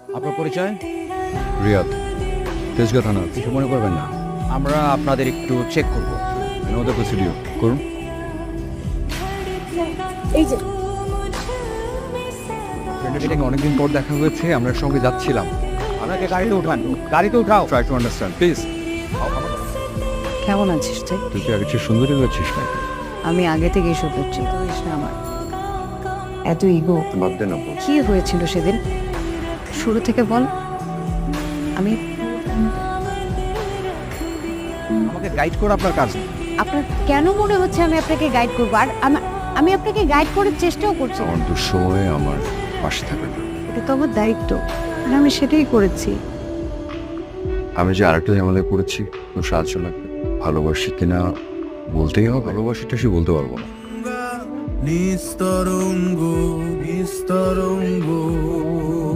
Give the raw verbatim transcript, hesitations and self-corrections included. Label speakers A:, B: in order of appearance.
A: আপনার পরিচয়?
B: রিয়াদ, তেজগাঁ থানা।
A: কিছু মনে করবেন না, আমরা আপনাদের একটু চেক করব।
B: ওদের প্রসিডিও করুন।
C: এই যে
B: এটাকে অনেকদিন পর দেখা হয়েছে, আমরা সঙ্গে যাচ্ছিলাম।
A: আপনাকে গাড়িতে উঠান, গাড়িতে উঠাও।
B: Try to understand please.
C: কেমন আছিস তুই?
B: তুই কি আগে চেয়ে সুন্দরী হয়েছিস নাকি?
C: আমি আগে থেকেই শুধুচ্ছি তুইস না আমার এত ইগো।
B: বাদ দে না বল।
C: কি হয়েছিল সেদিন শুরু থেকে বল। আমি
A: আমাকে গাইড করা আপনার কাজ না।
C: আপনার কেন মনে হচ্ছে আমি আপনাকে গাইড করবো? আর আমা- আমি আপনাকে গাইড করার চেষ্টাও করছি।
B: আমার দুঃসময়ে আমার পাশে থাকবে না।
C: এটা তো আমার দায়িত্ব আর আমি সেটাই করেছি।
B: আমি যে আরেকটা ঝামেলায় পড়েছি, তোর সাহায্য লাগবে। ভালোবাসি কিনা বলতেই হবে, ভালোবাসিটা সে বলতে পারবো না।
D: নিস্তরঙ্গ নিস্তরঙ্গ